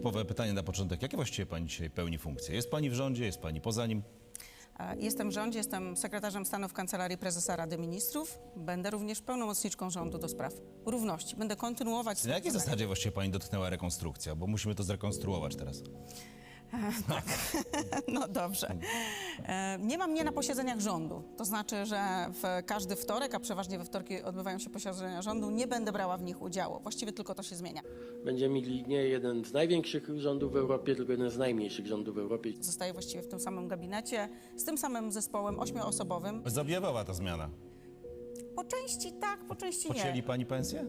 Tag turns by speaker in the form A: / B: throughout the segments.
A: typowe pytanie na początek. Jakie właściwie pani dzisiaj pełni funkcje? Jest pani w rządzie, jest pani poza nim?
B: Jestem w rządzie, jestem sekretarzem stanu w Kancelarii Prezesa Rady Ministrów. Będę również pełnomocniczką rządu do spraw równości. Będę kontynuować...
A: Na jakiej zasadzie właściwie pani dotknęła rekonstrukcja? Bo musimy to zrekonstruować teraz.
B: Tak, no dobrze. Nie mam mnie na posiedzeniach rządu. To znaczy, że w każdy wtorek, a przeważnie we wtorki odbywają się posiedzenia rządu, nie będę brała w nich udziału. Właściwie tylko to się zmienia.
C: Będziemy mieli nie jeden z największych rządów w Europie, tylko jeden z najmniejszych rządów w Europie.
B: Zostaję właściwie w tym samym gabinecie, z tym samym zespołem 8-osobowym.
A: Zaobjawała ta zmiana.
B: Po części tak, po części
A: Pocięli
B: nie.
A: pani pensję?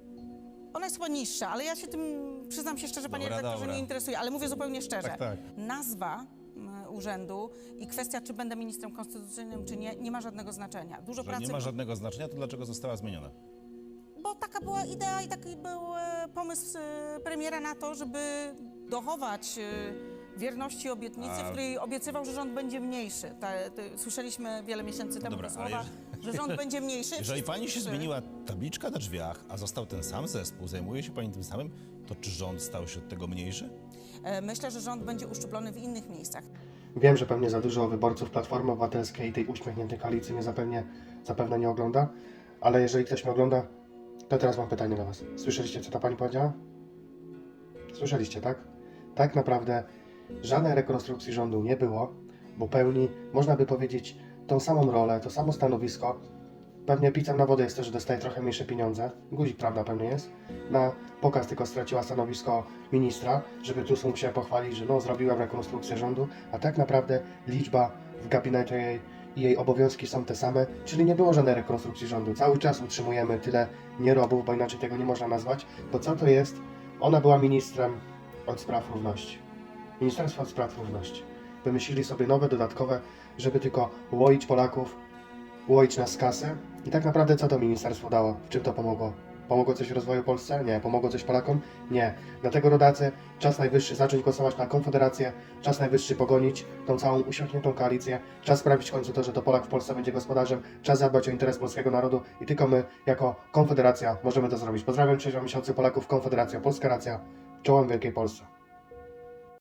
B: Ona jest chyba niższa, ale ja się tym, przyznam się szczerze, panie
A: Dobra,
B: redaktorze,
A: dobra.
B: nie interesuje, ale mówię zupełnie szczerze.
A: Tak, tak.
B: Nazwa urzędu i kwestia, czy będę ministrem konstytucyjnym, czy nie, nie ma żadnego znaczenia. Dużo
A: Że
B: pracy,
A: nie ma żadnego znaczenia, to dlaczego została zmieniona?
B: bo taka była idea i taki był pomysł premiera na to, żeby dochować wierności obietnicy, w której obiecywał, że rząd będzie mniejszy. Słyszeliśmy wiele miesięcy temu
A: Dobra,
B: te słowa, że rząd będzie mniejszy.
A: Jeżeli pani się
B: Wszyscy-
A: zmieniła tabliczka na drzwiach, a został ten sam zespół, zajmuje się pani tym samym, to czy rząd stał się od tego mniejszy?
B: Myślę, że rząd będzie uszczuplony w innych miejscach.
D: Wiem, że pewnie za dużo wyborców Platformy Obywatelskiej i tej uśmiechniętej koalicji mnie zapewne nie ogląda, ale jeżeli ktoś mnie ogląda, to teraz mam pytanie do Was. Słyszeliście, co ta pani powiedziała? Słyszeliście, tak? Tak naprawdę żadnej rekonstrukcji rządu nie było, bo pełni, można by powiedzieć, tą samą rolę, to samo stanowisko. Pewnie pizzem na wodę jest to, że dostaje trochę mniejsze pieniądze. Guzik, prawda, pewnie jest. Na pokaz tylko straciła stanowisko ministra, żeby tu sobie musiała pochwalić, że no, zrobiłem rekonstrukcję rządu, a tak naprawdę liczba w gabinecie jej i jej obowiązki są te same, czyli nie było żadnej rekonstrukcji rządu. Cały czas utrzymujemy tyle nierobów, bo inaczej tego nie można nazwać, bo co to jest? Ona była ministrem od spraw równości. Ministerstwo od spraw równości. Wymyślili sobie nowe, dodatkowe, żeby tylko łoić Polaków, łoić nas z kasy. I tak naprawdę co to ministerstwo dało? W czym to pomogło? Pomogło coś rozwoju Polsce? Nie. Pomogło coś Polakom? Nie. Dlatego rodacy, czas najwyższy zacząć głosować na Konfederację, czas najwyższy pogonić tą całą usiąkniętą koalicję, czas sprawić w końcu to, że to Polak w Polsce będzie gospodarzem, czas zadbać o interes polskiego narodu i tylko my, jako Konfederacja, możemy to zrobić. Pozdrawiam 6 miesięcy Polaków, Konfederacja, Polska Racja, czołem Wielkiej Polsce.